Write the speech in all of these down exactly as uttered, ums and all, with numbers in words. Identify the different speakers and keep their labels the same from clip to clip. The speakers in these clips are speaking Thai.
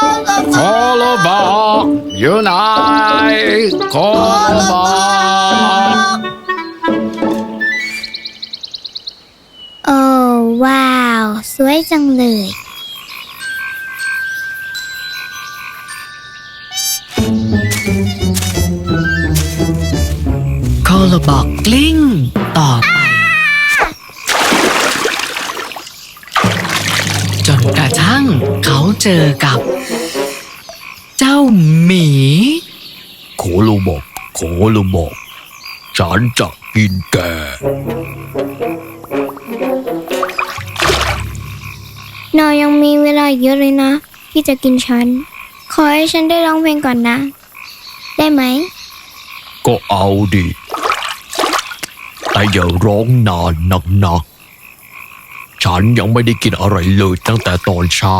Speaker 1: โคโลบอกอยู่ไหนโคโลบอก
Speaker 2: โอ้ว้าวสวยจังเลย
Speaker 3: โคโลบอกกลิ้งต่อไปจนกระทั่งเขาเจอกับเจ้าหมี
Speaker 1: โคโลบอกโคโลบอกฉันจะกินแก
Speaker 2: นายยังมีเวลาเยอะเลยนะที่จะกินฉันขอให้ฉันได้ร้องเพลงก่อนนะได้ไหม
Speaker 1: ก็เอาดิแต่อย่าร้องนานนักนะฉันยังไม่ได้กินอะไรเลยตั้งแต่ตอนเช้า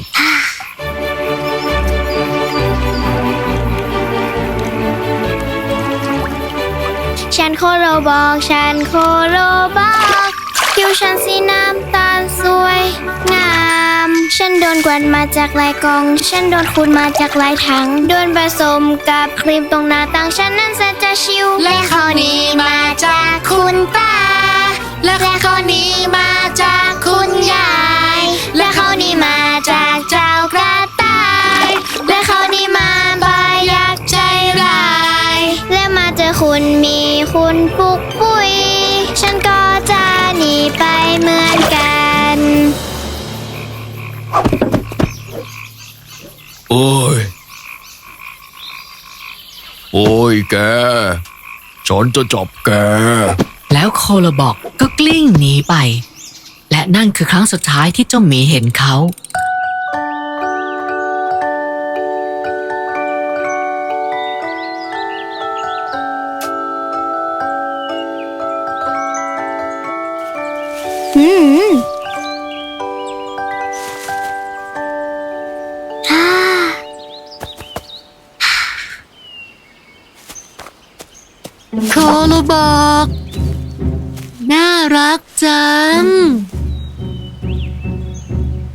Speaker 2: ฉันโคโลบอกฉันโคโลบอกผิวฉันสีน้ำตาลสวยงามฉันโดนกวนมาจากหลายกล่องฉันโดนขูดมาจากหลายถังโดนผสมกับครีมตรงหน้าต่างฉันนั้นแสนจะชิวและข้าวนี้มาจากคุณตาและข้าวนี้มาจากคุณยายและข้าวนี้มาจากเจ้ากระต่ายและข้าวนี้มาบายยักษ์ใจร้ายและมาเจอคุณมีคุณปุกปุยฉันก็จะหนีไปเหมือนกัน
Speaker 1: โอ้ยโอ้ยแกฉันจะจับแก
Speaker 3: แล้วโคโลบอกก็กลิ้งหนีไปและนั่นคือครั้งสุดท้ายที่เจ้าหมีเห็นเขา
Speaker 2: อืมฮ่า
Speaker 3: โคโลบอกน่ารักจัง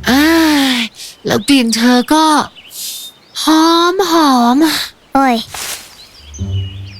Speaker 3: อ้ายแล้วกลิ่นเธอก็หอมหอม
Speaker 2: โอ้ย